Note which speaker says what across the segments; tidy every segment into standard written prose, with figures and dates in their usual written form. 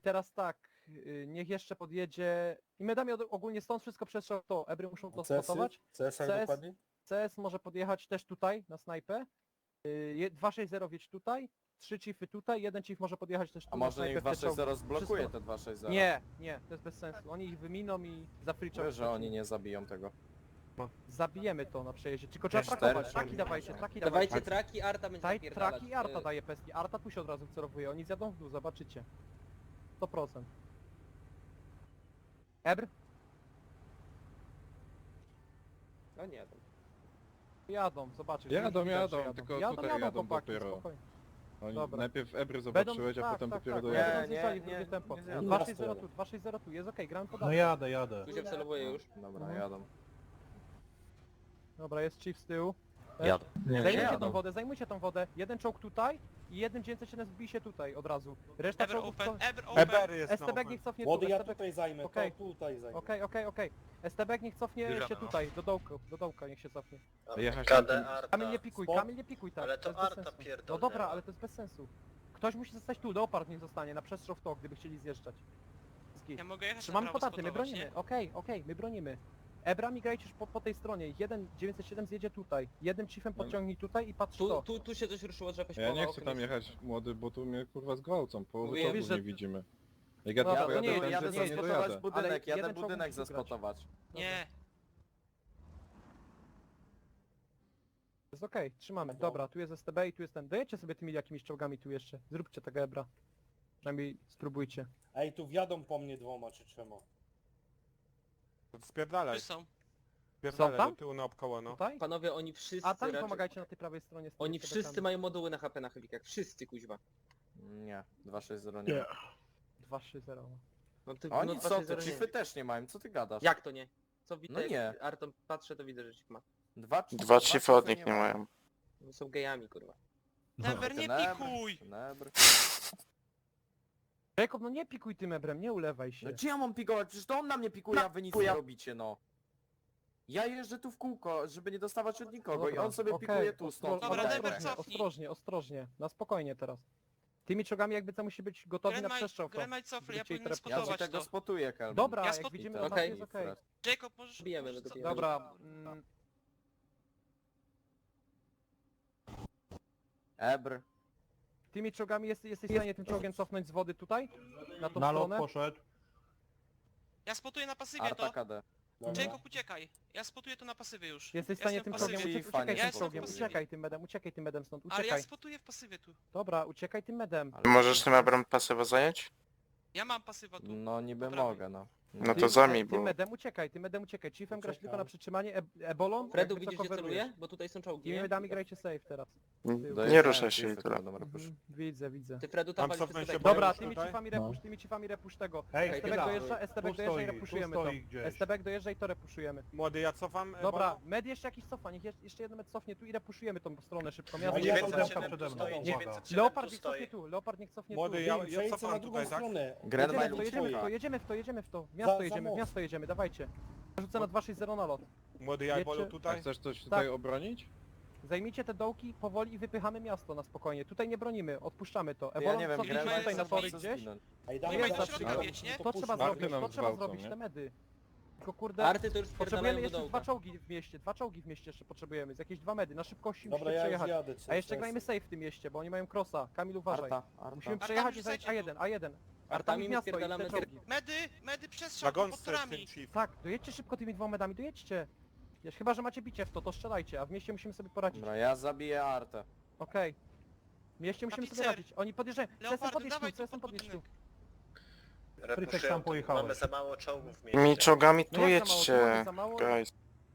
Speaker 1: teraz tak, niech jeszcze podjedzie... I medami ogólnie stąd wszystko przestrzał to. Ebry muszą to
Speaker 2: CS-y?
Speaker 1: spotować.
Speaker 2: CS jak
Speaker 1: CS
Speaker 2: dokładnie?
Speaker 1: CS może podjechać też tutaj, na snajpę. 260 wiedź tutaj, 3 chiefy tutaj, jeden chief może podjechać też tu
Speaker 3: A
Speaker 1: na
Speaker 3: może
Speaker 1: snajpę
Speaker 3: niech
Speaker 1: w te czołgi.
Speaker 3: 260 zblokuje
Speaker 1: Wszystko-
Speaker 3: te 260?
Speaker 1: Nie, nie, to jest bez sensu. Oni ich wyminą i zafriczą.
Speaker 3: Wiesz, że oni nie zabiją tego.
Speaker 1: Zabijemy to na przejeździe, tylko trzeba
Speaker 3: Cztery
Speaker 1: trakować.
Speaker 3: czołgi.
Speaker 1: Traki dawajcie, traki
Speaker 4: Dawajcie
Speaker 1: dawajcie.
Speaker 4: traki, Arta będzie
Speaker 1: Taj,
Speaker 4: zapierdalać.
Speaker 1: traki Arta daje peski. Arta tu się od razu wcelowuje, oni zjadą w dół, zobaczycie. 100%. Ebr?
Speaker 4: No nie, to...
Speaker 1: Jadą, zobaczysz.
Speaker 5: Jadą,
Speaker 1: widać, że
Speaker 5: jadą, tylko tutaj jadą
Speaker 1: chłopaki,
Speaker 5: dopiero.
Speaker 1: spokojnie.
Speaker 5: Oni
Speaker 1: Dobra.
Speaker 5: najpierw Ebry zobaczyłeś, a potem dopiero
Speaker 1: tak,
Speaker 5: dojadą.
Speaker 1: będą zjeżdżali w
Speaker 3: Nie,
Speaker 1: drugie
Speaker 3: nie,
Speaker 1: tempo.
Speaker 3: nie zjadą.
Speaker 1: 260 tu, 260 tu, jest okej, gramy
Speaker 6: No
Speaker 1: podanie.
Speaker 6: jadę.
Speaker 4: Tu się wcelowuje już.
Speaker 3: Dobra,
Speaker 1: Mhm.
Speaker 3: jadą.
Speaker 1: Dobra, jest chief z tyłu.
Speaker 7: Jadę.
Speaker 1: Zajmujcie
Speaker 3: jadą.
Speaker 1: tą wodę, zajmujcie tą wodę. Jeden czołg tutaj i jeden 907 wbij się tutaj od razu. Reszta
Speaker 8: Ever
Speaker 1: czołgów...
Speaker 8: open,
Speaker 1: to-
Speaker 8: ever open.
Speaker 2: Eber jest
Speaker 1: STB niech cofnie tu,
Speaker 2: Młody, ja
Speaker 1: STB...
Speaker 2: tutaj zajmę,
Speaker 1: Okej.
Speaker 2: to tutaj zajmę.
Speaker 1: Okej. STB niech cofnie
Speaker 7: Bierzemy,
Speaker 1: się
Speaker 7: no.
Speaker 1: tutaj, do dołka niech się cofnie.
Speaker 5: Jechać
Speaker 7: KD Arta.
Speaker 1: Kamil nie pikuj tak.
Speaker 7: Ale
Speaker 1: to
Speaker 7: to
Speaker 1: jest bez
Speaker 7: Arta
Speaker 1: sensu.
Speaker 7: pierdolnęła.
Speaker 1: No dobra, ale to jest bez sensu. Ktoś musi zostać tu, Leopard niech zostanie, na przestrzał w to, gdyby chcieli zjeżdżać. Zgit.
Speaker 8: Ja mogę jechać
Speaker 1: Trzymamy
Speaker 8: na prawo
Speaker 1: podaty, my
Speaker 8: spotować,
Speaker 1: bronimy.
Speaker 8: nie?
Speaker 1: Okej, my bronimy. Ebrami grajcie już po tej stronie. Jeden 907 zjedzie tutaj. Jednym chiefem podciągnij tutaj i patrz to.
Speaker 4: Tu się coś ruszyło, że jakaś
Speaker 5: Ja nie
Speaker 4: połowa
Speaker 5: chcę tam
Speaker 4: okna
Speaker 5: jechać młody, bo tu mnie kurwa zgwałcą, połowy
Speaker 4: Mówię,
Speaker 5: czołgu
Speaker 1: wiesz, że-
Speaker 5: nie widzimy. Jak ja
Speaker 1: Dobra,
Speaker 5: tu
Speaker 1: to nie
Speaker 5: pojadę,
Speaker 1: jest-
Speaker 5: to
Speaker 3: Jadę
Speaker 1: nie jest-
Speaker 5: nie
Speaker 3: zaspotować
Speaker 5: dojadę.
Speaker 3: budynek,
Speaker 1: Ale
Speaker 3: jadę
Speaker 1: jeden czołg
Speaker 3: budynek
Speaker 1: musi grać.
Speaker 3: zaspotować.
Speaker 8: Nie.
Speaker 1: Jest okej, trzymamy. Dobra, tu jest STB i tu jest ten. Dojedźcie sobie tymi jakimiś czołgami tu jeszcze. Zróbcie tego Ebra. Przynajmniej spróbujcie.
Speaker 2: Ej, tu wjadą po mnie 2 czy 3.
Speaker 9: Spierdalaj,
Speaker 8: Tu są.
Speaker 9: spierdalaj
Speaker 1: tam?
Speaker 9: do tyłu naokoło, no.
Speaker 1: Tutaj?
Speaker 4: Panowie, oni wszyscy
Speaker 1: A tam
Speaker 4: raczej...
Speaker 1: pomagajcie na tej prawej stronie. z tymi
Speaker 4: Oni
Speaker 1: STB-kami.
Speaker 4: wszyscy mają moduły na HP na helikach. Wszyscy, kuźwa.
Speaker 3: Nie, 260 nie.
Speaker 6: Nie.
Speaker 1: 2-3-0.
Speaker 4: No ty,
Speaker 3: Oni
Speaker 4: no
Speaker 3: co,
Speaker 4: 260
Speaker 3: to
Speaker 4: nie.
Speaker 3: chiefy też nie mają, co ty gadasz?
Speaker 4: Jak to nie? Co widzę,
Speaker 3: No nie.
Speaker 4: jak Arton patrzę, to widzę, że ich ma.
Speaker 3: Dwa
Speaker 7: chiefy od nich nie mają.
Speaker 4: No są gejami, kurwa.
Speaker 8: Never, nie
Speaker 3: Ten Ebr,
Speaker 8: pikuj!
Speaker 3: ten Ebr.
Speaker 1: Jacob, no nie pikuj tym Ebrem, nie ulewaj się.
Speaker 3: No gdzie ja mam pikować? Przecież to on na mnie pikuje, a wy nic nie robicie, no. Ja jeżdżę tu w kółko, żeby nie dostawać od nikogo i
Speaker 1: Dobra,
Speaker 3: on sobie
Speaker 1: okej,
Speaker 3: pikuje tu, stąd.
Speaker 8: Dobra,
Speaker 3: tutaj.
Speaker 8: Never,
Speaker 1: ostrożnie,
Speaker 8: cofnij.
Speaker 1: ostrożnie. Na spokojnie teraz. Tymi czołgami jakby co musi być gotowi na przestrzał. w to.
Speaker 8: Gremaj cofli, ja
Speaker 1: Będziecie
Speaker 8: powinien
Speaker 1: ich
Speaker 3: Ja ci
Speaker 8: spotować
Speaker 3: tego
Speaker 8: to.
Speaker 3: spotuję, Kelvin.
Speaker 1: Dobra,
Speaker 8: Ja
Speaker 1: jak
Speaker 8: spot-
Speaker 1: widzimy,
Speaker 4: Okej.
Speaker 1: okay. jest okej.
Speaker 8: Jacob, możesz...
Speaker 4: Bijemy,
Speaker 8: możesz
Speaker 4: no to
Speaker 8: cofnąć.
Speaker 1: Dobra.
Speaker 3: Ebr.
Speaker 1: Tymi czołgami jesteś w stanie tym czołgiem cofnąć z wody tutaj? Na tą
Speaker 6: Na lot
Speaker 1: stronę?
Speaker 6: poszedł.
Speaker 8: Ja spotuję na pasywie
Speaker 3: Arta
Speaker 8: to.
Speaker 3: KD.
Speaker 2: Dobra.
Speaker 8: Jacob, uciekaj. Ja spotuję to na pasywie już.
Speaker 1: Jesteś w
Speaker 8: Ja
Speaker 1: stanie
Speaker 8: jestem
Speaker 1: tym
Speaker 8: w
Speaker 1: czołgiem
Speaker 8: pasywie.
Speaker 3: Chief,
Speaker 1: uciekaj
Speaker 3: nie
Speaker 1: tym
Speaker 3: jestem
Speaker 1: czołgiem,
Speaker 3: w pasywie.
Speaker 1: uciekaj tym medem stąd,
Speaker 8: Ale ja
Speaker 1: uciekaj.
Speaker 8: spotuję w pasywie tu.
Speaker 1: Dobra, uciekaj tym medem.
Speaker 3: Ale-
Speaker 7: Możesz tym Ebrem pasywa zająć?
Speaker 8: Ja mam pasywa tu.
Speaker 3: No niby
Speaker 8: Po prawej.
Speaker 3: mogę, no.
Speaker 7: No
Speaker 1: Ty-
Speaker 7: to zajmij,
Speaker 1: Tym
Speaker 7: bo...
Speaker 1: medem uciekaj. Chiefem grasz
Speaker 2: Uciekam.
Speaker 1: tylko na przytrzymanie, ebolą,
Speaker 4: Fredu,
Speaker 1: jakby co
Speaker 4: widzisz, gdzie
Speaker 1: coverujesz.
Speaker 4: celuje? Bo tutaj są czołgi,
Speaker 1: Tymi
Speaker 4: nie?
Speaker 1: medami grajcie safe teraz.
Speaker 7: Nie
Speaker 3: Dojeżdżają
Speaker 7: ruszaj się i
Speaker 3: chiefy,
Speaker 7: tyle.
Speaker 3: to dobra, proszę.
Speaker 1: Widzę.
Speaker 4: Ty, Fredu,
Speaker 9: Tam
Speaker 4: tam
Speaker 9: cofnę
Speaker 4: walisz
Speaker 9: się,
Speaker 4: tutaj.
Speaker 9: bo-
Speaker 1: Dobra,
Speaker 9: już
Speaker 1: tymi
Speaker 9: tutaj?
Speaker 1: chiefami repusz tego.
Speaker 6: Hej,
Speaker 1: STB
Speaker 6: chwila.
Speaker 1: dojeżdża, STB dojeżdża i
Speaker 6: Tu
Speaker 1: repuszujemy
Speaker 6: stoi
Speaker 1: to.
Speaker 6: gdzieś.
Speaker 1: STB dojeżdża i to repuszujemy.
Speaker 9: Młody, ja cofam.
Speaker 1: Dobra,
Speaker 9: Bolo.
Speaker 1: med jeszcze jakiś cofa, niech jeszcze jeden med cofnie tu i repuszujemy tą stronę szybko.
Speaker 2: A
Speaker 1: Miasto
Speaker 2: ja
Speaker 1: jest-
Speaker 2: 907
Speaker 6: przede mną,
Speaker 2: stoi,
Speaker 6: uwaga.
Speaker 2: 907
Speaker 1: Leopard
Speaker 2: tu
Speaker 1: niech cofnie
Speaker 2: stoi.
Speaker 1: tu, Leopard niech cofnie
Speaker 9: Młody,
Speaker 1: tu.
Speaker 9: ja
Speaker 2: Przejdźcie
Speaker 9: cofam
Speaker 2: na drugą
Speaker 9: tutaj, tak?
Speaker 2: stronę.
Speaker 3: Gren
Speaker 1: Jedziemy
Speaker 3: ma
Speaker 1: w to, jedziemy w to,
Speaker 3: luczuje.
Speaker 1: jedziemy w to. Miasto
Speaker 2: Za
Speaker 1: jedziemy, w
Speaker 2: most.
Speaker 1: miasto jedziemy, dawajcie. Rzucę na 260 na lot.
Speaker 9: Młody, ja
Speaker 1: Wiecie-
Speaker 9: Bolo
Speaker 5: A
Speaker 9: tutaj?
Speaker 5: chcesz coś tutaj
Speaker 1: Tak.
Speaker 5: obronić?
Speaker 1: Zajmijcie te dołki powoli i wypychamy miasto na spokojnie. Tutaj nie bronimy, odpuszczamy to.
Speaker 3: Ja
Speaker 1: Ebolon
Speaker 3: nie wiem,
Speaker 1: cofnij
Speaker 3: Gren
Speaker 1: się
Speaker 3: ma
Speaker 1: tutaj na
Speaker 3: co
Speaker 1: tory
Speaker 3: co
Speaker 1: gdzieś.
Speaker 3: zginąć.
Speaker 2: Ej,
Speaker 1: To
Speaker 2: dawaj,
Speaker 1: jest
Speaker 2: dawaj,
Speaker 1: zawsze
Speaker 2: dawaj,
Speaker 8: mieć, nie?
Speaker 1: To trzeba
Speaker 5: Marty
Speaker 1: zrobić,
Speaker 5: nam
Speaker 1: to trzeba
Speaker 5: zgwałcą,
Speaker 1: zrobić,
Speaker 5: nie?
Speaker 1: te medy. Tylko kurde,
Speaker 4: Arty to już
Speaker 1: potrzebujemy
Speaker 4: wpierdalają do
Speaker 1: jeszcze
Speaker 4: dołka.
Speaker 1: dwa czołgi w mieście jeszcze potrzebujemy, z jakieś 2 medy, na szybkości
Speaker 2: Dobra,
Speaker 1: musimy
Speaker 2: ja już
Speaker 1: przejechać.
Speaker 2: jadę.
Speaker 1: A jeszcze grajmy safe w tym mieście, bo oni mają crossa. Kamil uważaj.
Speaker 3: Arta.
Speaker 1: Musimy
Speaker 8: Arta,
Speaker 1: przejechać i
Speaker 8: wrzucajcie
Speaker 1: zająć
Speaker 8: tu.
Speaker 1: A1. Artami
Speaker 4: Artami
Speaker 1: w miasto i
Speaker 4: wpierdalamy
Speaker 1: te
Speaker 4: na
Speaker 1: czołgi.
Speaker 8: Medy
Speaker 9: Na
Speaker 8: przestrzał pod
Speaker 9: gąsce
Speaker 8: torami.
Speaker 9: ten chief.
Speaker 1: Tak, dojedźcie szybko tymi 2 medami, dojedźcie. Chyba, że macie bicie w to strzelajcie, a w mieście musimy sobie poradzić.
Speaker 3: Dobra, ja zabiję Artę.
Speaker 1: Okej. W mieście musimy sobie
Speaker 8: Tapicer.
Speaker 1: radzić. Oni podjeżdżają. CSM
Speaker 8: Leopardu,
Speaker 1: podjedź tu,
Speaker 8: dawaj tu
Speaker 1: CSM
Speaker 8: pod
Speaker 1: podjedź tu.
Speaker 8: budynek.
Speaker 6: Frytek sam pojechałeś.
Speaker 7: Mamy za mało czołgów w
Speaker 1: No
Speaker 7: mieście. Mi czołgami tu
Speaker 1: jak za mało, tu mamy
Speaker 7: jedźcie,
Speaker 1: za mało?
Speaker 7: guys.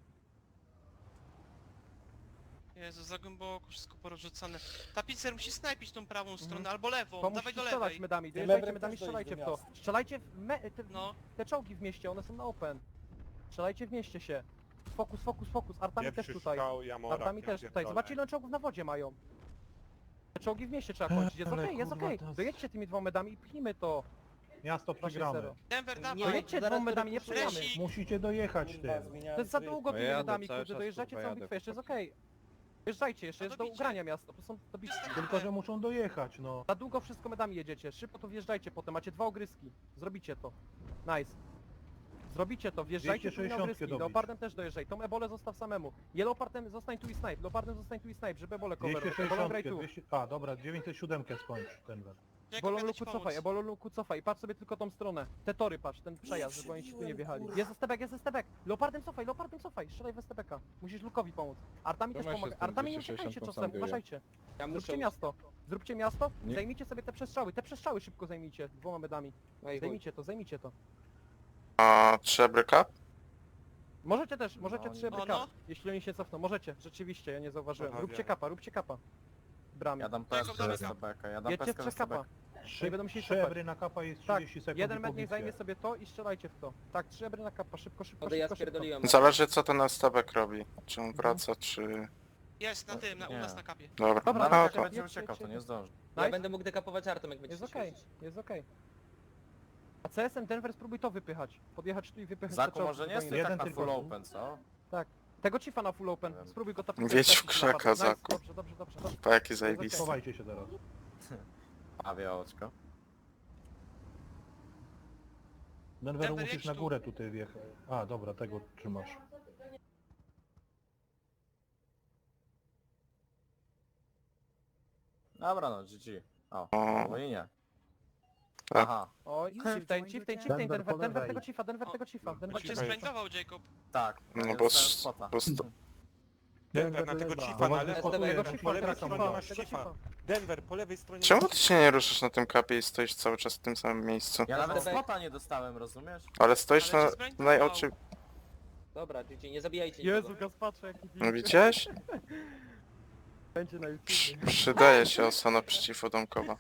Speaker 8: Jezu, za głęboko, wszystko porozrzucane. Tapicer musi snajpić tą prawą stronę,
Speaker 1: Mhm.
Speaker 8: albo lewą,
Speaker 1: To
Speaker 8: dawaj
Speaker 1: musicie
Speaker 8: do
Speaker 1: strzelać
Speaker 8: lewej.
Speaker 1: medami,
Speaker 2: Tym
Speaker 1: dojeżdżajcie
Speaker 2: mebrem
Speaker 1: medami,
Speaker 2: też dojdź
Speaker 1: strzelajcie w
Speaker 2: do
Speaker 1: to.
Speaker 2: miasta.
Speaker 1: Strzelajcie
Speaker 8: No,
Speaker 1: te czołgi w mieście, one są na open. Strzelajcie w mieście się. Fokus. Artami też
Speaker 9: Pierwszy
Speaker 1: tutaj.
Speaker 9: strzał, ja mora.
Speaker 1: Artami też tutaj. Zobaczcie ile czołgów na wodzie mają. Te czołgi w mieście trzeba kończyć. Jest
Speaker 6: Ale
Speaker 1: okej, jest
Speaker 6: kurwa,
Speaker 1: okej.
Speaker 6: to jest-
Speaker 1: Dojedźcie tymi 2 medami i pchnijmy to.
Speaker 6: Miasto
Speaker 1: 2-0.
Speaker 6: przegramy.
Speaker 8: Denver,
Speaker 4: Nie,
Speaker 8: dawaj.
Speaker 1: Dojedźcie
Speaker 4: zaraz
Speaker 1: 2 medami, nie
Speaker 4: wypuszczę.
Speaker 1: przejamy.
Speaker 6: Musicie dojechać
Speaker 2: Kurwa,
Speaker 6: tym.
Speaker 2: zmieniałem
Speaker 1: To jest za
Speaker 2: tryb.
Speaker 1: długo
Speaker 5: No
Speaker 1: tymi
Speaker 5: jadę
Speaker 1: medami,
Speaker 5: cały
Speaker 1: kurde,
Speaker 5: czas,
Speaker 1: dojeżdżacie
Speaker 5: kurwa,
Speaker 1: całą
Speaker 5: jadę,
Speaker 1: bitwę, jeszcze jest
Speaker 5: chłopaki.
Speaker 1: okej. Wjeżdżajcie, jeszcze
Speaker 8: No
Speaker 1: jest do
Speaker 8: dobicie.
Speaker 1: ugrania miasto, to są dobici.
Speaker 6: Tylko, że muszą dojechać, no.
Speaker 1: Za długo wszystko medami jedziecie, szybko to wjeżdżajcie potem, macie 2 ogryski. Zrobicie to. Nice. Zrobicie to, wjeżdżajcie tu na
Speaker 6: 260
Speaker 1: ogryski.
Speaker 6: dobić.
Speaker 1: Leopardem też dojeżdżaj, tą ebolę zostaw samemu. Leopardem zostań tu i snipe, leopardem zostań tu i snipe, żeby ebolę coverować. Ebolą graj
Speaker 6: 260,
Speaker 1: tu.
Speaker 6: A, dobra, 907 skończ, Denver.
Speaker 8: Jacob,
Speaker 1: Ebolą
Speaker 8: jadę ci
Speaker 1: luku
Speaker 8: pomóc.
Speaker 1: cofaj, ebolą luku cofaj, patrz sobie tylko tą stronę. Te tory patrz, ten przejazd, żeby oni ci tu nie wjechali. Jest estebek, jest estebek. Leopardem cofaj, strzelaj w estebeka. Musisz lukowi pomóc. Artami też
Speaker 5: Trzymaj się
Speaker 1: pomaga.
Speaker 5: z tym
Speaker 1: Artami nie
Speaker 5: 260
Speaker 1: uciekajcie czasem,
Speaker 5: konsanguję.
Speaker 1: uważajcie.
Speaker 4: Ja muszę...
Speaker 1: Zróbcie miasto,
Speaker 5: Nie.
Speaker 1: zajmijcie sobie te przestrzały szybko zajmijcie, 2 medami.
Speaker 4: No i chuj.
Speaker 1: Zajmijcie to.
Speaker 7: A 3 ebryka?
Speaker 1: Możecie też,
Speaker 3: No,
Speaker 1: 3
Speaker 8: no.
Speaker 1: ebryka, jeśli oni się cofną, możecie, rzeczywiście, ja nie zauważyłem.
Speaker 9: Aha,
Speaker 1: Róbcie
Speaker 9: wiem.
Speaker 1: kapa. Bramie.
Speaker 3: Ja dam
Speaker 8: Jacob,
Speaker 3: peskę
Speaker 8: dawaj
Speaker 3: z STB-ka, ja dam
Speaker 1: Jedźcie
Speaker 3: peskę
Speaker 1: w 3
Speaker 3: z STB-ka.
Speaker 1: kapa.
Speaker 6: Trzy,
Speaker 1: będą musieli
Speaker 6: 3
Speaker 1: cofać.
Speaker 6: ebry na kapa jest
Speaker 1: Tak,
Speaker 6: 30 sekund
Speaker 1: jeden
Speaker 6: i
Speaker 1: med niech
Speaker 6: pobicie.
Speaker 1: zajmie sobie to i strzelajcie w to. Tak, 3 ebry na kapa, szybko.
Speaker 4: Wtedy ja spierdoliłem.
Speaker 7: Zależy co ten STB robi. Czy on wraca, czy...
Speaker 8: Jest na tym, u
Speaker 3: Nie.
Speaker 8: nas na kapie.
Speaker 7: Dobra.
Speaker 1: Dobra,
Speaker 3: No,
Speaker 1: tak,
Speaker 3: ale
Speaker 1: tak,
Speaker 3: to będzie
Speaker 1: jedźcie,
Speaker 3: uciekał, to
Speaker 1: jedźcie.
Speaker 3: nie zdąży.
Speaker 4: Ja
Speaker 1: Nice.
Speaker 4: będę mógł dekapować artem, jak będzie
Speaker 1: Jest
Speaker 4: się
Speaker 1: okej,
Speaker 4: świecić.
Speaker 1: jest okej. A CS-em Denver spróbuj to wypychać. Podjechać tu i wypychać
Speaker 3: Zaku
Speaker 1: te czołgi,
Speaker 3: może nie
Speaker 1: żeby
Speaker 3: jest
Speaker 1: oni-
Speaker 3: tak
Speaker 6: Jeden
Speaker 3: na
Speaker 6: tylko
Speaker 3: full
Speaker 6: tu.
Speaker 3: open, co?
Speaker 1: Tego chiefa na full open,
Speaker 3: Nie wiem.
Speaker 1: spróbuj go tam
Speaker 7: Wiedź w krzaka,
Speaker 1: Nice,
Speaker 7: Zaku.
Speaker 1: Dobrze.
Speaker 7: Pa, jaki zajebisty.
Speaker 6: Schowajcie się teraz.
Speaker 3: Pawie oczko.
Speaker 6: Denveru
Speaker 8: Denver,
Speaker 6: musisz
Speaker 8: jedź
Speaker 6: na
Speaker 8: tu.
Speaker 6: górę tutaj wjechać. A, dobra, tego trzymasz.
Speaker 3: Dobra no, GG. O,
Speaker 7: O.
Speaker 3: no i nie.
Speaker 7: Tak.
Speaker 3: Aha,
Speaker 1: Oj, chieftain,
Speaker 6: Denver
Speaker 1: Denver
Speaker 6: po lewej.
Speaker 1: tego chiefa, Denver tego chiefa.
Speaker 8: On cię
Speaker 9: Cicho.
Speaker 8: sprintował, Jacob.
Speaker 3: tak.
Speaker 7: No
Speaker 3: jest
Speaker 7: bo,
Speaker 3: ten spota.
Speaker 9: Denver na tego
Speaker 6: lewa.
Speaker 9: chiefa, na
Speaker 6: Bo
Speaker 9: lewo.
Speaker 6: wykopuje,
Speaker 1: Tego
Speaker 6: ten
Speaker 1: chiefa,
Speaker 9: Po lewej
Speaker 1: teraz
Speaker 9: stronie
Speaker 1: chiefa,
Speaker 9: masz
Speaker 1: tego
Speaker 9: chiefa.
Speaker 1: chiefa.
Speaker 9: Denver, po lewej stronie
Speaker 7: Czemu
Speaker 9: masz
Speaker 7: ty się nie ruszysz na tym kapie i stoisz cały czas w tym samym miejscu?
Speaker 3: Ja nawet
Speaker 4: STB.
Speaker 3: spota nie dostałem, rozumiesz?
Speaker 7: Ale stoisz
Speaker 8: Ale
Speaker 7: na
Speaker 8: cię zbrintował.
Speaker 7: najoczy...
Speaker 4: Dobra, GG, nie zabijajcie
Speaker 1: Jezu,
Speaker 4: nikogo.
Speaker 1: Gaspacze, jaki
Speaker 7: No widziałeś?
Speaker 1: będzie na YouTube.
Speaker 7: Przydaje się osana przeciwodamkowa.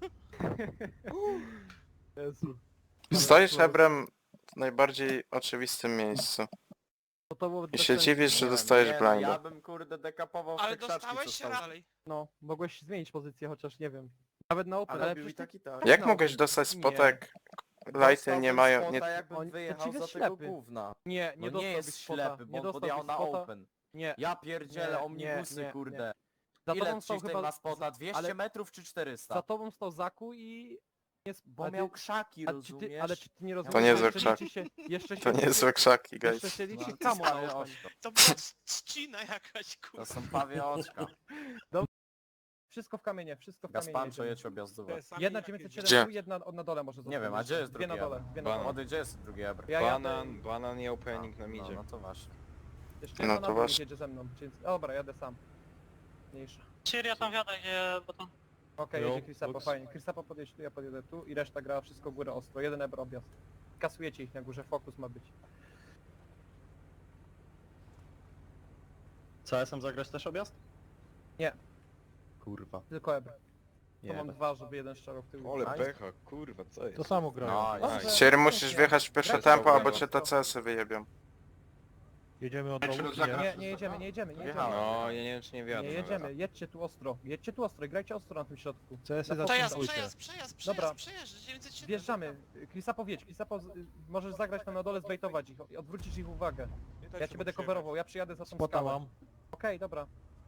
Speaker 1: Jezu.
Speaker 7: Stoisz ebrem w najbardziej oczywistym miejscu.
Speaker 1: No to było
Speaker 7: I
Speaker 1: bez
Speaker 7: się
Speaker 1: sensu.
Speaker 7: dziwisz, że
Speaker 3: Nie
Speaker 7: dostajesz
Speaker 3: wiem,
Speaker 7: blinda.
Speaker 3: Ja bym kurde dekapował w
Speaker 8: Ale
Speaker 3: te krzaczki, co
Speaker 8: dostałeś
Speaker 3: są.
Speaker 8: dalej.
Speaker 1: No, mogłeś zmienić pozycję, chociaż nie wiem. Nawet na open,
Speaker 3: Ale
Speaker 1: ale
Speaker 3: robił i
Speaker 1: przecież
Speaker 3: tak i tak.
Speaker 7: Jak
Speaker 1: No.
Speaker 7: mogłeś dostać
Speaker 1: Nie.
Speaker 7: spotek? Lighty
Speaker 3: Dostałbym
Speaker 7: nie mają...
Speaker 3: spota,
Speaker 7: Nie...
Speaker 3: jakbym
Speaker 1: On-
Speaker 3: wyjechał
Speaker 1: przeciw
Speaker 3: za
Speaker 1: jest
Speaker 3: tego
Speaker 1: ślepy.
Speaker 3: gówna.
Speaker 1: nie
Speaker 3: No nie
Speaker 1: dostałbyś
Speaker 3: jest
Speaker 1: spota,
Speaker 3: ślepy, bo
Speaker 1: nie
Speaker 3: on podjechał
Speaker 1: dostałbyś
Speaker 3: na
Speaker 1: spota.
Speaker 3: open.
Speaker 1: Nie,
Speaker 3: Ja pierdzielę,
Speaker 1: Nie,
Speaker 3: omnibusy,
Speaker 1: nie,
Speaker 3: kurde.
Speaker 1: za
Speaker 3: Ile
Speaker 1: tobą stał
Speaker 3: chieftain
Speaker 1: chyba...
Speaker 3: ma spota? 200
Speaker 1: ale
Speaker 3: metrów czy 400?
Speaker 1: za tobą stał Zaku i... Jest,
Speaker 3: Bo miał krzaki,
Speaker 1: a czy ty,
Speaker 3: rozumiesz?
Speaker 1: ale czy ty nie rozumiesz?
Speaker 7: To niezłe
Speaker 1: jeszcze
Speaker 7: krzaki.
Speaker 1: liczy się, jeszcze się
Speaker 7: To niezłe krzaki,
Speaker 1: Jeszcze
Speaker 7: guys.
Speaker 1: się liczy
Speaker 3: No,
Speaker 1: kamo
Speaker 3: pawie
Speaker 1: na open.
Speaker 3: oczko.
Speaker 8: To była trzcina jakaś,
Speaker 3: To
Speaker 8: kurwa.
Speaker 3: są pawie oczka.
Speaker 1: Wszystko w kamienie, wszystko w kamienie.
Speaker 3: Gaspancho
Speaker 1: jedziemy.
Speaker 3: jedź objazdówę.
Speaker 1: Jedna
Speaker 7: Gdzie?
Speaker 1: 907 tu, jedna na dole może zostać.
Speaker 3: Nie wiem, a gdzie jest
Speaker 1: Dwie na
Speaker 3: drugi
Speaker 1: dole,
Speaker 3: ebr?
Speaker 1: dwie na dole.
Speaker 3: Młody, gdzie jest drugi ebr?
Speaker 1: Ja jadę,
Speaker 5: Banan i opening na
Speaker 3: No,
Speaker 5: midzie.
Speaker 3: no to właśnie.
Speaker 1: jeszcze
Speaker 7: No
Speaker 1: jedna
Speaker 7: to
Speaker 1: na dół
Speaker 7: właśnie.
Speaker 1: jedzie ze mną. Więc... Dobra, jadę sam. Mniejsza.
Speaker 10: Ja tam wiadę, gdzie baton.
Speaker 1: Okej,
Speaker 5: Jo,
Speaker 1: jedzie Chrisapo,
Speaker 5: box.
Speaker 1: fajnie. Chrisapo podjedzie tu, ja podjedę tu i reszta gra wszystko w górę ostro. Jeden ebr objazd. Kasujecie ich na górze, fokus ma być.
Speaker 10: CS-em zagrać też objazd?
Speaker 1: Nie.
Speaker 10: Kurwa.
Speaker 1: Tylko ebr. To
Speaker 10: Nie.
Speaker 1: mam dwa, żeby jeden strzelał w tył.
Speaker 5: Ole
Speaker 3: Nice.
Speaker 5: pecha, kurwa, co jest?
Speaker 6: To samo grają.
Speaker 3: No,
Speaker 1: Dobrze.
Speaker 3: jest.
Speaker 7: Sierry musisz wjechać w pierwsze
Speaker 1: Grajcie
Speaker 7: tempo,
Speaker 1: dobrze.
Speaker 7: albo cię te CS-y wyjebią.
Speaker 6: Jedziemy od dołu, czy
Speaker 1: Nie jedziemy, nie jedziemy.
Speaker 3: Wjechałem.
Speaker 5: No, ja nie wiem czy nie wiadomo.
Speaker 1: Nie jedziemy, jedźcie tu ostro i grajcie ostro na tym środku.
Speaker 6: CS-y
Speaker 1: No,
Speaker 8: Przejazd,
Speaker 6: zatrzymujcie.
Speaker 1: Dobra.
Speaker 8: przejazd, 907.
Speaker 1: Wjeżdżamy, Chrisapo wiedź, Chrisapo możesz zagrać tam na dole, zbejtować ich, odwrócić ich uwagę. Ja cię będę coverował, ja przyjadę za tą
Speaker 6: Spota
Speaker 1: skałę.
Speaker 6: mam.
Speaker 1: Okej, dobra.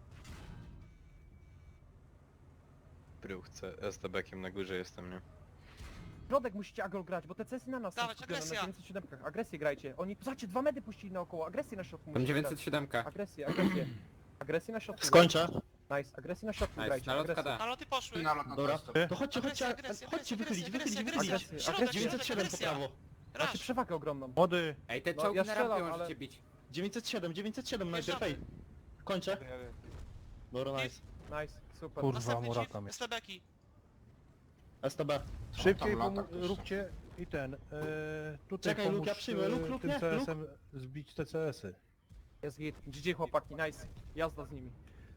Speaker 5: Bruchce, STB-kiem na górze jestem, nie?
Speaker 1: Środek musicie agro grać, bo te CS na nas są
Speaker 8: Dawać,
Speaker 1: skupione,
Speaker 8: agresja.
Speaker 1: na 907. Agresję grajcie. Oni, zobaczcie, 2 medy puścili naokoło, agresję na środku
Speaker 11: Tam
Speaker 1: musicie
Speaker 11: 907.
Speaker 1: grać. Agresję. Agresję na środku.
Speaker 10: Skończę.
Speaker 1: Nice, agresję na środku
Speaker 11: Nice,
Speaker 1: grajcie.
Speaker 11: na lotka
Speaker 1: agresję.
Speaker 11: da.
Speaker 8: Naloty poszły.
Speaker 10: Dobra. To chodźcie,
Speaker 8: Agresja,
Speaker 10: chodźcie,
Speaker 8: agresja,
Speaker 10: chodźcie,
Speaker 8: agresja,
Speaker 10: wychylić,
Speaker 8: agresja,
Speaker 10: wychylić,
Speaker 8: agresja.
Speaker 10: wychylić.
Speaker 1: Agresja,
Speaker 10: 907 po prawo.
Speaker 1: Macie
Speaker 8: Rasz.
Speaker 1: przewagę ogromną.
Speaker 6: Młody,
Speaker 11: Ej, te
Speaker 1: No,
Speaker 11: czołgi
Speaker 1: ja
Speaker 11: na rampie
Speaker 1: strzelam,
Speaker 11: możecie
Speaker 1: ale-
Speaker 11: bić.
Speaker 10: 907 najpierw,
Speaker 8: Wjeżdżamy.
Speaker 10: hej. Kończę. Dobra, nice.
Speaker 1: Nice, super.
Speaker 6: Kurwa,
Speaker 8: Następny
Speaker 6: Murata
Speaker 8: chief,
Speaker 6: mnie.
Speaker 8: STB-ki.
Speaker 10: STB.
Speaker 6: szybciej róbcie i ten, tutaj
Speaker 10: Czekaj,
Speaker 6: pomóż
Speaker 10: Luke, ja przyjmę. Luke,
Speaker 6: tym
Speaker 10: nie,
Speaker 6: CS-em zbić te CS-y.
Speaker 1: Jest git. GG chłopaki, nice. Jazda z nimi.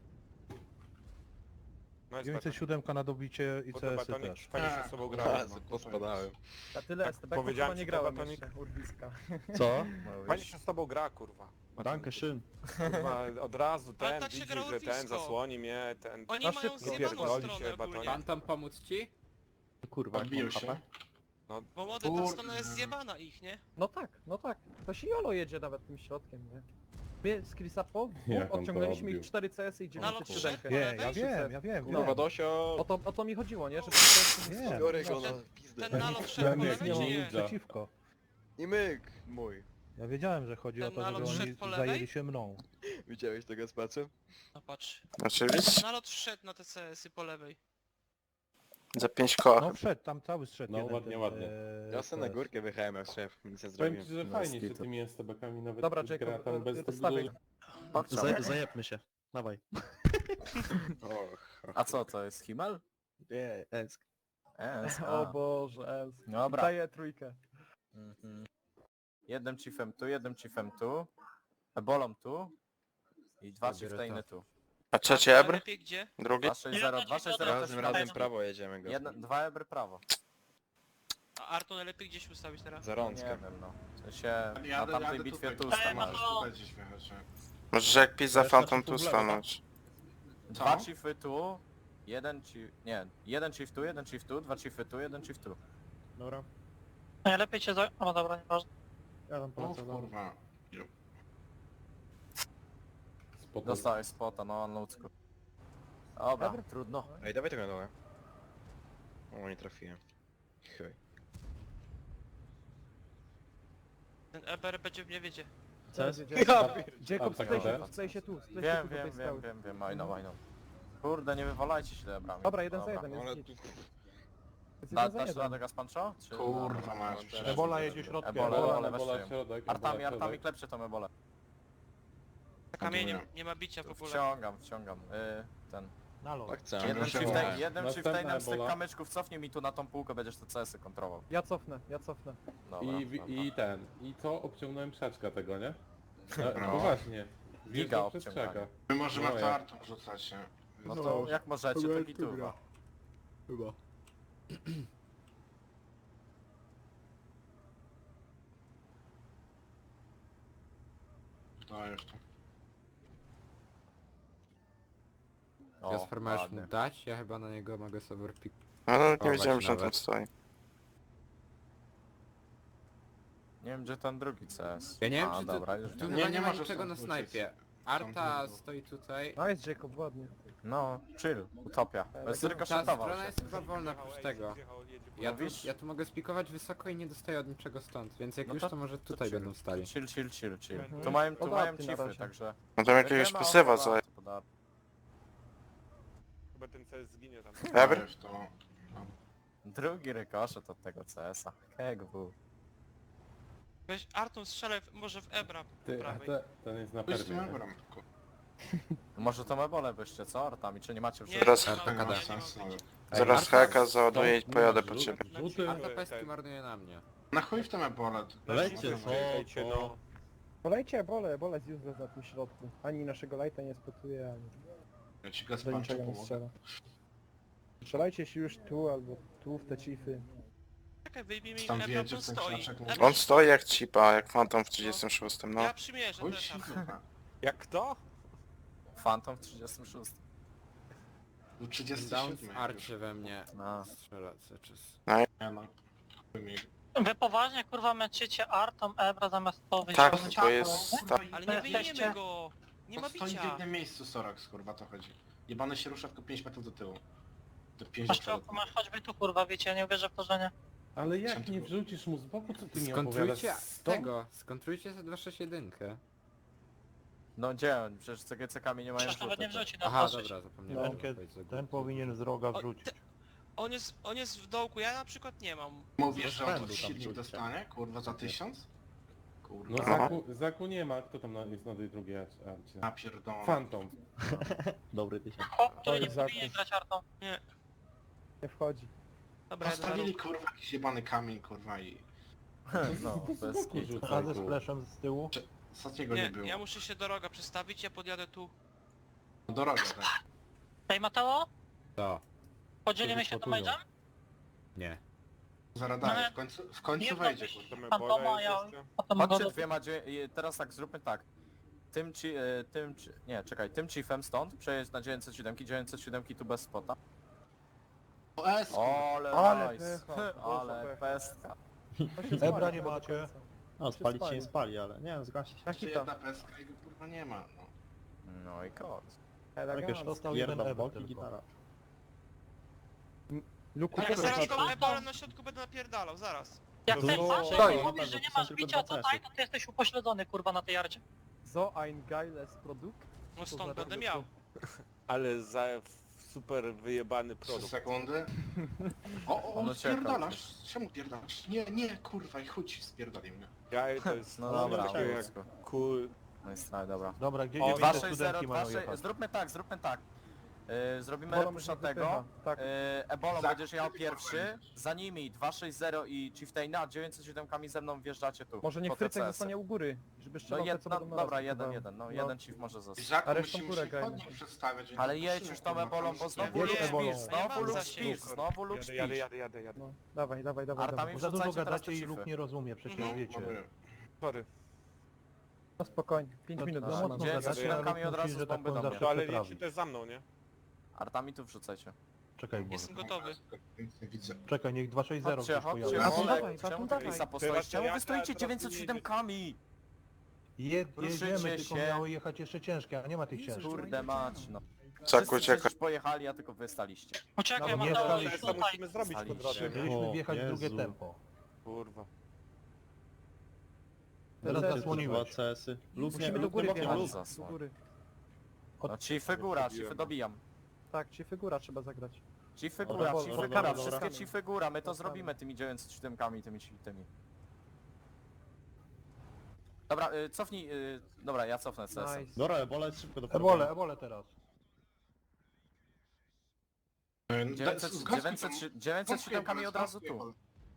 Speaker 9: No
Speaker 6: 907 na dobicie i CS-y też.
Speaker 9: Fajnie się z sobą grałem.
Speaker 5: A, pospadałem.
Speaker 1: Na tyle
Speaker 9: Tak,
Speaker 1: STB
Speaker 9: powiedziałem
Speaker 1: chyba nie
Speaker 9: ci,
Speaker 1: grałem
Speaker 9: Batonik.
Speaker 1: jeszcze, urwiska.
Speaker 10: Co?
Speaker 9: Fajnie się z tobą gra, kurwa.
Speaker 10: Danke schön.
Speaker 9: Kurwa, od razu
Speaker 8: Ale
Speaker 9: ten
Speaker 8: tak się
Speaker 9: widzi,
Speaker 8: grało
Speaker 9: że ten
Speaker 8: blisko.
Speaker 9: zasłoni mnie, ten...
Speaker 8: Oni
Speaker 1: Na
Speaker 8: mają
Speaker 1: szybko.
Speaker 8: zjebaną
Speaker 9: Pierdoli
Speaker 8: stronę
Speaker 9: się,
Speaker 8: ogólnie.
Speaker 9: batonik.
Speaker 11: Phantom pomóc ci?
Speaker 10: Kurwa, jak mam HP.
Speaker 8: Bo młody, ta strona jest zjebana ich, nie?
Speaker 1: No tak, to się Jolo jedzie nawet tym środkiem, nie? My z Krisapo
Speaker 9: Jak on
Speaker 1: odciągnęliśmy
Speaker 9: to
Speaker 1: ich 4 CS i
Speaker 8: Na lot
Speaker 1: 907.
Speaker 8: wszedł?
Speaker 6: Nie, ja wiem.
Speaker 5: Kurwa, Dosio!
Speaker 1: O to mi chodziło, nie? Że
Speaker 6: Wiem.
Speaker 5: Biorę go na pizdę.
Speaker 8: Ten nalot szedł po lewej, czy nie?
Speaker 6: Przeciwko.
Speaker 5: I myk mój.
Speaker 6: Ja wiedziałem, że chodzi o
Speaker 8: Ten
Speaker 6: to, żeby
Speaker 8: nalot
Speaker 6: oni
Speaker 8: szedł po lewej?
Speaker 6: zajęli się mną.
Speaker 5: Widziałeś tego z pacem?
Speaker 8: No patrz.
Speaker 7: Oczywiście.
Speaker 8: Nalot wszedł na te CS-y po lewej.
Speaker 7: Za 5 koła.
Speaker 6: No wszedł, tam cały zszedł.
Speaker 9: No,
Speaker 6: jeden
Speaker 9: ładnie,
Speaker 6: ten,
Speaker 9: ładnie.
Speaker 5: Ja sobie na
Speaker 6: CS.
Speaker 5: górkę wyjechałem jak szef, nic nie
Speaker 9: Powiem
Speaker 5: zrobiłem.
Speaker 9: ci, że fajnie się tymi STB-kami nawet
Speaker 1: Dobra,
Speaker 9: gra
Speaker 1: Jacob,
Speaker 9: tam bez
Speaker 1: stawiaj.
Speaker 10: Zajebmy się. Dawaj.
Speaker 5: Och,
Speaker 3: A co, to jest Himmel?
Speaker 10: Nie, Esk.
Speaker 1: O Boże,
Speaker 3: Dobra.
Speaker 1: daję trójkę.
Speaker 3: Mhm. Jednym chiefem tu, ebolą tu i dwa chieftainy tu.
Speaker 7: A trzeci ebr?
Speaker 8: Lepiej gdzie?
Speaker 7: Drugi?
Speaker 3: 260, 260
Speaker 5: razem, razem prawo jedziemy go.
Speaker 3: Dwa ebry prawo.
Speaker 8: A Arto najlepiej gdzieś ustawić teraz?
Speaker 5: Za
Speaker 3: Nie
Speaker 5: rączkę.
Speaker 3: wiem no. W sensie na tamtej bitwie tu stanąłeś.
Speaker 7: Możesz jak pizza
Speaker 6: Ale
Speaker 7: Phantom
Speaker 6: znaczy
Speaker 7: tu
Speaker 6: tu w lewo,
Speaker 7: stanąć.
Speaker 3: Dwa chiefy tu, jeden chief... Nie, jeden chief tu, dwa chiefy tu, jeden chief tu.
Speaker 6: Dobra.
Speaker 11: Najlepiej cię za... O dobra, nieważne.
Speaker 6: Ja tam polecę. dobra.
Speaker 3: Dostałeś spota, no na ludzku. Dobra, trudno.
Speaker 5: Ej, dawaj tego na dole. O, nie trafiłem. Chuj.
Speaker 8: Ten EBR będzie w niewiedzie.
Speaker 1: Jacob,
Speaker 9: tak
Speaker 1: sklej się
Speaker 9: naprawdę?
Speaker 1: tu, sklej się tu. Sklej się
Speaker 3: Wiem,
Speaker 1: tu do tej skały.
Speaker 3: wiem, I know. Kurde, nie wywalajcie się ebrami.
Speaker 1: Dobra, 1 za 1,
Speaker 5: Ale
Speaker 1: jest
Speaker 5: tu...
Speaker 1: git. Jest
Speaker 3: Da,
Speaker 1: 1 za
Speaker 3: dasz
Speaker 1: 1.
Speaker 3: radę Gaspancho? Czy...
Speaker 7: Kurwa
Speaker 5: masz.
Speaker 6: Ebola jedzie środkiem.
Speaker 3: Ebola,
Speaker 9: Ebola, środek,
Speaker 3: Artami klepcie tą ebolę.
Speaker 8: Na kamieniu nie ma bicia w ogóle.
Speaker 3: Wciągam. Ten.
Speaker 6: Na lot.
Speaker 5: Tak chcę.
Speaker 3: Jednym
Speaker 9: Następna
Speaker 3: chieftainem z tych
Speaker 9: ebola.
Speaker 3: kamyczków cofnij mi tu na tą półkę, będziesz te CS-y kontrolował.
Speaker 1: Ja cofnę.
Speaker 3: Dobra,
Speaker 9: I co? Obciągnąłem krzaczka tego, nie? Poważnie.
Speaker 3: Giga
Speaker 9: Wjeżdżał przez
Speaker 3: obciąganie.
Speaker 9: krzaka.
Speaker 7: My możemy
Speaker 9: No,
Speaker 7: to artą wrzucać, nie?
Speaker 3: No to jak możecie, to gituwa.
Speaker 10: Chyba.
Speaker 7: To już to.
Speaker 3: Jasper, masz mu
Speaker 10: dać? Ja chyba na niego mogę sobie pik...
Speaker 7: No nawet nie
Speaker 10: O,
Speaker 7: wiedziałem,
Speaker 10: właśnie
Speaker 7: że on tam
Speaker 10: nawet.
Speaker 7: stoi.
Speaker 3: Nie wiem gdzie ten drugi CS.
Speaker 10: Ja nie wiem,
Speaker 3: A,
Speaker 10: czy
Speaker 3: dobra,
Speaker 10: to...
Speaker 3: już
Speaker 10: Tu
Speaker 3: wiem.
Speaker 10: chyba nie
Speaker 7: nie
Speaker 10: ma
Speaker 7: możesz
Speaker 10: niczego
Speaker 7: tam
Speaker 10: na
Speaker 7: wrócić.
Speaker 10: snajpie. Arta stoi tutaj.
Speaker 1: No jest Jacob, ładnie.
Speaker 3: No, chill, utopia. Bez
Speaker 10: Ta
Speaker 3: rykoszetował
Speaker 10: strona
Speaker 3: się.
Speaker 10: jest chyba wolna oprócz tego. Ja tu mogę spikować wysoko i nie dostaję od niczego stąd, więc jak
Speaker 3: No
Speaker 10: już
Speaker 3: to-
Speaker 10: to może tutaj
Speaker 3: chill.
Speaker 10: będą stali.
Speaker 3: Chill.
Speaker 1: Mhm.
Speaker 3: Tu mają
Speaker 1: Podatny na
Speaker 3: chiefy,
Speaker 1: razie.
Speaker 3: także...
Speaker 7: No tam jakiegoś
Speaker 3: Nie ma
Speaker 7: pasywa
Speaker 3: opodatku,
Speaker 7: za...
Speaker 3: podatku.
Speaker 9: Chyba ten CS zginie tam.
Speaker 7: Ebr?
Speaker 3: Drugi rykoszet od tego CS-a. KGW.
Speaker 8: Weź Arton strzelaj może w Ebra po prawej.
Speaker 9: Ten jest na permie. nie?
Speaker 3: Może tą ebolę byście, co? Artami, czy nie macie już...
Speaker 8: Nie,
Speaker 7: Zaraz-
Speaker 8: nie ma-
Speaker 10: RPKD.
Speaker 8: nie ma bicia.
Speaker 7: Zaraz haka załaduję i
Speaker 9: No,
Speaker 7: pojadę
Speaker 9: no,
Speaker 7: po ciebie.
Speaker 9: Rzuty.
Speaker 10: Arta pestki marnuje na mnie.
Speaker 7: Na chuj w tym ebolę.
Speaker 9: Lejcie, no.
Speaker 1: Polejcie ebole jest useless na tym środku. Ani naszego lighta nie spotuje, ani
Speaker 7: Ja ci
Speaker 1: do niczego nie strzela. Strzelajcie się już tu albo tu w te chiefy.
Speaker 8: Czekaj, wyjmijmy im
Speaker 7: Tam
Speaker 8: Ebra,
Speaker 7: wiedzie
Speaker 8: tu
Speaker 7: w ten
Speaker 8: stoi.
Speaker 7: krzaczek.
Speaker 8: Ebra-
Speaker 7: On stoi jak cipa, jak Phantom w 36, no.
Speaker 8: Ja przymierzę też Arton.
Speaker 9: Jak kto?
Speaker 3: Phantom w 36.
Speaker 7: Do
Speaker 10: Down w arcie we mnie.
Speaker 3: No.
Speaker 10: Strzela cały czas.
Speaker 7: Nie no.
Speaker 11: Wy poważnie kurwa męczycie Artą Ebra zamiast to wyjść.
Speaker 7: Tak, to jest...
Speaker 8: Ale nie wyjmiemy go. Nie ma
Speaker 7: Stoi w
Speaker 8: bicia.
Speaker 7: jednym miejscu Sorax, kurwa, to chodzi. Jebany się rusza tylko 5 metrów do tyłu. Do 5
Speaker 11: Masz trochę, masz choćby tu kurwa, wiecie, ja nie uwierzę w to, że nie.
Speaker 9: Ale jak nie wrzucisz mu z boku, co ty mi
Speaker 10: Skontrujcie
Speaker 9: opowiadasz? Stąd?
Speaker 10: tego, skontrujcie za 261.
Speaker 3: No gdzie on? Przecież CGC-kami nie mają
Speaker 11: Przecież nawet nie
Speaker 3: rzutu.
Speaker 11: wrzuci na
Speaker 10: Aha,
Speaker 11: dosyć.
Speaker 10: dobra, zapomniałem.
Speaker 6: No,
Speaker 10: powiedzieć za
Speaker 6: Ten
Speaker 10: górę.
Speaker 6: powinien z roga
Speaker 8: O,
Speaker 6: wrzucić.
Speaker 8: On jest w dołku, ja na przykład nie mam.
Speaker 7: Mówisz, że on
Speaker 10: Będą
Speaker 7: tu
Speaker 10: tam
Speaker 7: silnik
Speaker 10: wrzucie.
Speaker 7: dostanie? Kurwa, za 1000?
Speaker 9: No
Speaker 7: Kurwa.
Speaker 9: Zaku nie ma, kto tam jest na tej drugiej arcie?
Speaker 7: Napierdolę.
Speaker 9: Phantom.
Speaker 10: Dobry tysiąc.
Speaker 11: Chłop, który nie
Speaker 1: Oj, Zaku.
Speaker 11: powinien grać Artą.
Speaker 1: Nie wchodzi.
Speaker 8: Dobra, jeden na
Speaker 7: Postawili
Speaker 8: róg.
Speaker 7: kurwa jakiś jebany kamień, kurwa i...
Speaker 3: No, bez kitu.
Speaker 9: Rzucaj,
Speaker 6: A ze
Speaker 9: kurwa.
Speaker 6: splashem z tyłu.
Speaker 7: Ostatniego nie
Speaker 8: Nie,
Speaker 7: było.
Speaker 8: ja muszę się do roga przestawić, ja podjadę tu.
Speaker 7: Droga, tak.
Speaker 11: Ej Mateo,
Speaker 10: To.
Speaker 11: podzielimy się
Speaker 6: Spotują.
Speaker 11: damage'em?
Speaker 10: Nie.
Speaker 7: Zaraz
Speaker 11: No,
Speaker 7: daje, w końcu
Speaker 11: nie
Speaker 7: wejdzie,
Speaker 11: zrobisz.
Speaker 7: kurwa.
Speaker 11: Fantoma, ja potem
Speaker 3: Chodźcie
Speaker 11: go...
Speaker 3: dwiema, teraz tak, zróbmy tak. Tym chiefem stąd przejedź na 907 tu bez spota.
Speaker 7: O, S,
Speaker 3: Ale
Speaker 1: Ale
Speaker 3: nice,
Speaker 1: pycha,
Speaker 3: ale
Speaker 1: pycha.
Speaker 3: pestka.
Speaker 6: Ebra nie macie. No,
Speaker 1: Się spalić się nie
Speaker 6: spali, ale nie, zgasi się.
Speaker 1: Taki
Speaker 7: Czy
Speaker 1: to.
Speaker 7: jedna peska i go kurwa nie ma, no.
Speaker 3: No i kot.
Speaker 1: Elegancko.
Speaker 6: Dostał jeden ebok i gitara.
Speaker 1: Luku,
Speaker 8: Ja
Speaker 1: też
Speaker 8: zaraz
Speaker 1: masz-
Speaker 8: tą ebolę na środku będę napierdalał, zaraz.
Speaker 11: Jak
Speaker 6: To
Speaker 11: ten
Speaker 6: było-
Speaker 11: Andrzej
Speaker 6: Stoi.
Speaker 11: mówisz, że nie
Speaker 6: Są
Speaker 11: masz
Speaker 6: tylko
Speaker 11: bicia
Speaker 6: dwa
Speaker 11: tutaj,
Speaker 6: CS-y.
Speaker 11: to ty jesteś upośledzony kurwa na tej jardzie.
Speaker 1: So ein geiles Produkt.
Speaker 8: No
Speaker 1: Co za
Speaker 8: stąd będę
Speaker 1: produkt?
Speaker 8: miał.
Speaker 9: Ale za super wyjebany
Speaker 7: 3 sekundy. O,
Speaker 3: On
Speaker 7: on
Speaker 3: ucieka
Speaker 7: spierdalasz. Czemu pierdalasz? Nie, nie, kurwa, i chuj, spierdolił mnie.
Speaker 9: Ja to jest
Speaker 3: No dobra,
Speaker 9: takie jak
Speaker 3: ludzko.
Speaker 9: cool.
Speaker 3: No jest tak, dobra.
Speaker 6: Dobra, gdzie
Speaker 3: O,
Speaker 6: 900
Speaker 3: waszej
Speaker 6: studentki
Speaker 3: 0,
Speaker 6: mają
Speaker 3: waszej...
Speaker 6: jechać?
Speaker 3: Zróbmy tak. Zrobimy
Speaker 1: Bolą
Speaker 3: repusza
Speaker 1: się
Speaker 3: tego.
Speaker 1: wypycha, tak.
Speaker 3: Ebolą
Speaker 7: Za-
Speaker 3: będziesz jechał pierwszy. Za nimi 260 i Chieftaina, 907 ze mną wjeżdżacie tu.
Speaker 1: Może niech
Speaker 3: po te
Speaker 1: Frycek
Speaker 3: CS-y.
Speaker 1: zostanie u góry, żeby
Speaker 3: No
Speaker 1: strzelał te, co będą na nas
Speaker 3: dobra,
Speaker 1: wpływały.
Speaker 3: jeden. No,
Speaker 1: No.
Speaker 3: jeden Chief może zostać.
Speaker 7: Żaku,
Speaker 1: A resztą
Speaker 7: musimy
Speaker 1: górę
Speaker 7: się
Speaker 1: grajmy.
Speaker 7: chodnik przedstawiać. więc
Speaker 3: Ale
Speaker 7: musimy,
Speaker 3: jedź już tą
Speaker 7: kurwa,
Speaker 3: ebolą, bo
Speaker 7: tam
Speaker 3: znowu
Speaker 1: Jedź
Speaker 3: Luke
Speaker 1: ebolą.
Speaker 3: Spears,
Speaker 8: Ja
Speaker 3: znowu
Speaker 8: mam
Speaker 3: Luke
Speaker 8: zasięg.
Speaker 3: Spears, znowu Luke Spears.
Speaker 9: Jadę.
Speaker 1: No, dawaj.
Speaker 3: Artami
Speaker 6: Bo za dużo
Speaker 3: wrzucajcie teraz
Speaker 6: gadacie
Speaker 3: te
Speaker 6: i
Speaker 3: Chiefy.
Speaker 6: Luke nie rozumie, przecież
Speaker 8: Mhm.
Speaker 6: wiecie.
Speaker 9: Sorry.
Speaker 1: No spokojnie, 5 minut.
Speaker 6: No,
Speaker 1: no,
Speaker 6: mocno
Speaker 3: Gdzie-
Speaker 6: gadacie,
Speaker 3: z
Speaker 6: a
Speaker 3: rękami
Speaker 6: Luke
Speaker 3: od razu
Speaker 6: musi,
Speaker 3: z
Speaker 6: że tak
Speaker 3: bomby
Speaker 6: powiem,
Speaker 3: do
Speaker 6: zawsze
Speaker 3: mnie.
Speaker 9: To ale jedźcie
Speaker 6: przetrawić.
Speaker 9: też za mną, nie?
Speaker 3: Artami tu wrzucajcie.
Speaker 6: Czekaj, bo...
Speaker 8: Jestem gotowy.
Speaker 7: Nie widzę.
Speaker 6: Czekaj, niech 260
Speaker 3: Chodźcie,
Speaker 6: gdzieś
Speaker 3: chodźcie,
Speaker 6: pojawi.
Speaker 1: A to
Speaker 3: Olek,
Speaker 1: dawaj,
Speaker 3: czemu
Speaker 1: to
Speaker 3: ty
Speaker 1: dawaj.
Speaker 3: Chrisa postoisz? Czemu wy stoicie
Speaker 9: teraz
Speaker 3: 907-kami?
Speaker 6: Jedziemy,
Speaker 3: Ruszycie
Speaker 6: tylko
Speaker 3: się.
Speaker 6: miały jechać jeszcze ciężkie, a nie ma tych ciężkich.
Speaker 3: Kurde mać, no.
Speaker 5: Czak
Speaker 3: Wszyscy
Speaker 5: ucieka.
Speaker 3: przecież pojechali, a tylko wy staliście.
Speaker 11: Uciekaj
Speaker 6: No, nie
Speaker 11: Mateusz,
Speaker 6: staliśmy.
Speaker 9: To
Speaker 11: tutaj.
Speaker 9: musimy zrobić po
Speaker 3: Staliście.
Speaker 9: drodze, nie?
Speaker 6: Chcieliśmy wjechać w drugie
Speaker 10: Jezu.
Speaker 6: tempo.
Speaker 9: Kurwa.
Speaker 6: Teraz
Speaker 1: Teraz
Speaker 6: zasłoniłeś.
Speaker 1: Musimy do góry wjechać,
Speaker 3: Luz
Speaker 1: do
Speaker 3: zasłoń.
Speaker 1: góry.
Speaker 3: No Chiefy góra, Chiefy dobijam.
Speaker 1: Tak, ci figura trzeba zagrać.
Speaker 3: Chiefy
Speaker 1: Dobra,
Speaker 3: góra,
Speaker 1: dobra,
Speaker 3: Chiefy
Speaker 1: dobra,
Speaker 3: góra,
Speaker 1: dobra.
Speaker 3: wszystkie Chiefy góra, my to
Speaker 1: Dobra.
Speaker 3: zrobimy tymi 907-kami, tymi. Dobra, cofnij, dobra, ja cofnę CS.
Speaker 1: Nice.
Speaker 10: Dobra, Ebola jest szybko do
Speaker 6: Ebole teraz.
Speaker 3: 907-kami od razu tu.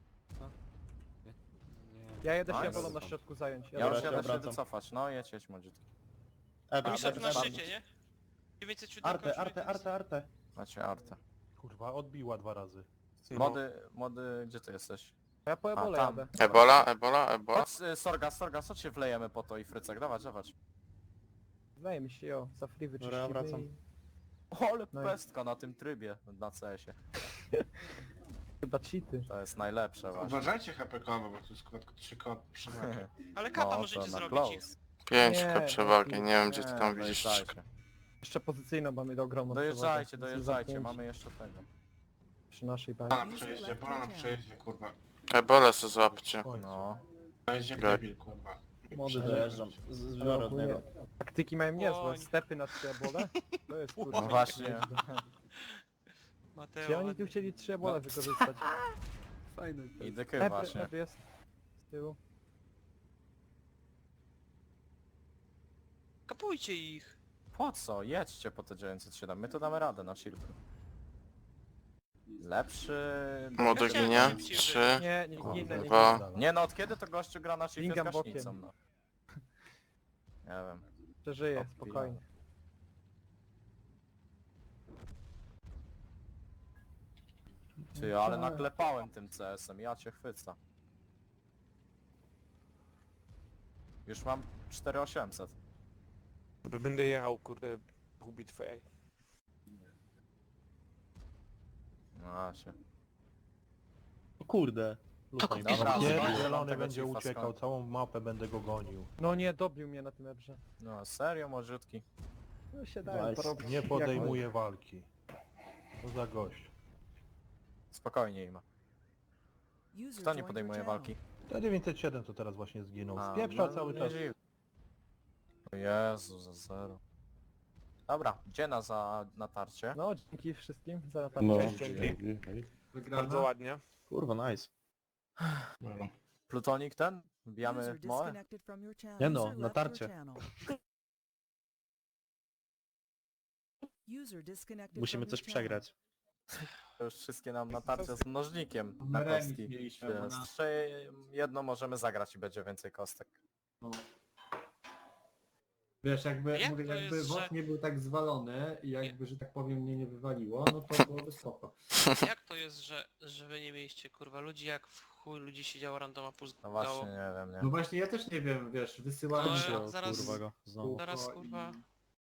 Speaker 1: Ja jedę
Speaker 3: Nice.
Speaker 1: się bolą na środku zająć.
Speaker 3: Ja już
Speaker 10: się
Speaker 3: jadę się
Speaker 10: obracam.
Speaker 3: wycofać, no jedź młodziutki.
Speaker 8: Komisarz na szczycie, nie? 907
Speaker 6: Arte.
Speaker 3: Macie artę.
Speaker 6: Kurwa, odbiła 2 razy.
Speaker 3: Młody, gdzie ty jesteś?
Speaker 1: Ja po ebole
Speaker 3: tam.
Speaker 1: jadę.
Speaker 5: Ebola.
Speaker 3: Chodź, Sorgas, chodź się wlejemy po to i Frycek, dawać.
Speaker 1: Wydaje mi się, jo, za free
Speaker 10: Dobra, ja
Speaker 1: wyczyścimy
Speaker 10: wracam.
Speaker 1: i...
Speaker 3: Ale
Speaker 1: No i-
Speaker 3: pestka na tym trybie, na CS-ie.
Speaker 1: Chyba cheaty.
Speaker 3: To jest najlepsze właśnie.
Speaker 7: Uważajcie HP-kowo, bo tu jest tylko 3 kod przewagi.
Speaker 8: Ale kapa
Speaker 3: No,
Speaker 8: możecie
Speaker 3: to na
Speaker 8: zrobić ich.
Speaker 3: close.
Speaker 5: 5
Speaker 1: Nie,
Speaker 5: przewagi,
Speaker 1: no,
Speaker 5: nie wiem gdzie ty
Speaker 3: Nie,
Speaker 5: tam widzisz.
Speaker 3: dojeżdżajcie.
Speaker 1: Jeszcze pozycyjną mamy do ogromną
Speaker 3: Dojeżdżajcie,
Speaker 1: przewagę.
Speaker 3: dojeżdżajcie,
Speaker 1: Zamknięci
Speaker 3: mamy jeszcze tego.
Speaker 1: Przy naszej bazie.
Speaker 7: Bola na przejeździe, kurwa.
Speaker 5: Ebola se złapcie.
Speaker 6: Oj,
Speaker 3: No.
Speaker 7: To jest jak
Speaker 5: Tak.
Speaker 7: debil, kurwa.
Speaker 1: Młody
Speaker 10: Dojeżdżam. Zbiorę od niego.
Speaker 1: Taktyki mają niezłe,
Speaker 8: Oj.
Speaker 1: stepy na 3 ebole. To jest kurwa.
Speaker 3: No właśnie.
Speaker 1: Gdzie
Speaker 8: Mateo,
Speaker 1: oni tu chcieli 3 ebole wykorzystać?
Speaker 3: I dyky
Speaker 1: Ebry,
Speaker 3: właśnie.
Speaker 1: ebry jest. Z tyłu.
Speaker 8: kapujcie ich.
Speaker 3: Po co? Jedźcie po te 907, my to damy radę na silku. Lepszy...
Speaker 5: Młody
Speaker 8: Ja chciałem
Speaker 5: ginie.
Speaker 8: szybciej
Speaker 5: 3.
Speaker 1: Nie, nie ginę, nie
Speaker 5: Dwa.
Speaker 1: ginę.
Speaker 3: Nie no, od kiedy to gościu gra na silku z
Speaker 1: Lingam
Speaker 3: gaśnicą,
Speaker 1: bokiem.
Speaker 3: no. Nie wiem.
Speaker 1: Przeżyję,
Speaker 3: Odbijam.
Speaker 1: spokojnie.
Speaker 3: Ty, ale naklepałem tym CS-em, ja cię chwycę. Już mam 4800.
Speaker 9: Będę jechał, kurde, pół bitwy.
Speaker 3: No właśnie.
Speaker 10: O kurde.
Speaker 11: kupisz
Speaker 3: Dobra,
Speaker 11: Jezu,
Speaker 3: zobaczę, mam
Speaker 6: Zielony
Speaker 3: tego
Speaker 6: będzie
Speaker 3: Chiefa
Speaker 6: uciekał,
Speaker 3: skąd.
Speaker 6: całą mapę będę go gonił.
Speaker 1: No nie, dobił mnie na tym ebrze.
Speaker 3: No serio, młodziutki.
Speaker 1: No się dałem
Speaker 10: Nice.
Speaker 1: porobić.
Speaker 6: Nie podejmuje walki. Co za gość.
Speaker 3: Spokojnie ima. Kto nie podejmuje walki?
Speaker 6: Te 907 to teraz właśnie zginął.
Speaker 3: A,
Speaker 6: Spieprza
Speaker 3: no,
Speaker 6: cały
Speaker 3: nie
Speaker 6: czas.
Speaker 3: dziw. O Jezu, za 0. Dobra, gdzie za natarcie?
Speaker 1: No, dzięki wszystkim za
Speaker 10: No.
Speaker 1: natarcie.
Speaker 9: Bardzo ładnie.
Speaker 10: Kurwa, nice.
Speaker 7: Dobra.
Speaker 3: Plutonik ten? Wbijamy moe?
Speaker 10: Nie no, natarcie. Musimy coś przegrać.
Speaker 3: To już wszystkie nam natarcia z mnożnikiem na kostki. Więc 3-1 możemy zagrać i będzie więcej kostek.
Speaker 12: Wiesz, jakby,
Speaker 8: Jak
Speaker 12: mówię,
Speaker 8: to
Speaker 12: jakby
Speaker 8: jest,
Speaker 12: WOT
Speaker 8: że-
Speaker 12: nie był tak zwalony i jakby, że tak powiem, mnie nie wywaliło, no to byłoby spoko.
Speaker 8: Jak to jest, że wy nie mieliście kurwa ludzi, jak w chuj ludzi siedziało randoma
Speaker 3: No
Speaker 8: puszczało?
Speaker 3: właśnie, nie wiem,
Speaker 12: No
Speaker 3: nie.
Speaker 12: właśnie, ja też nie wiem, wiesz, wysyłałem
Speaker 8: No,
Speaker 12: się
Speaker 8: zaraz-
Speaker 10: Kurwa go, znowu.
Speaker 8: Zaraz
Speaker 12: i-
Speaker 8: kurwa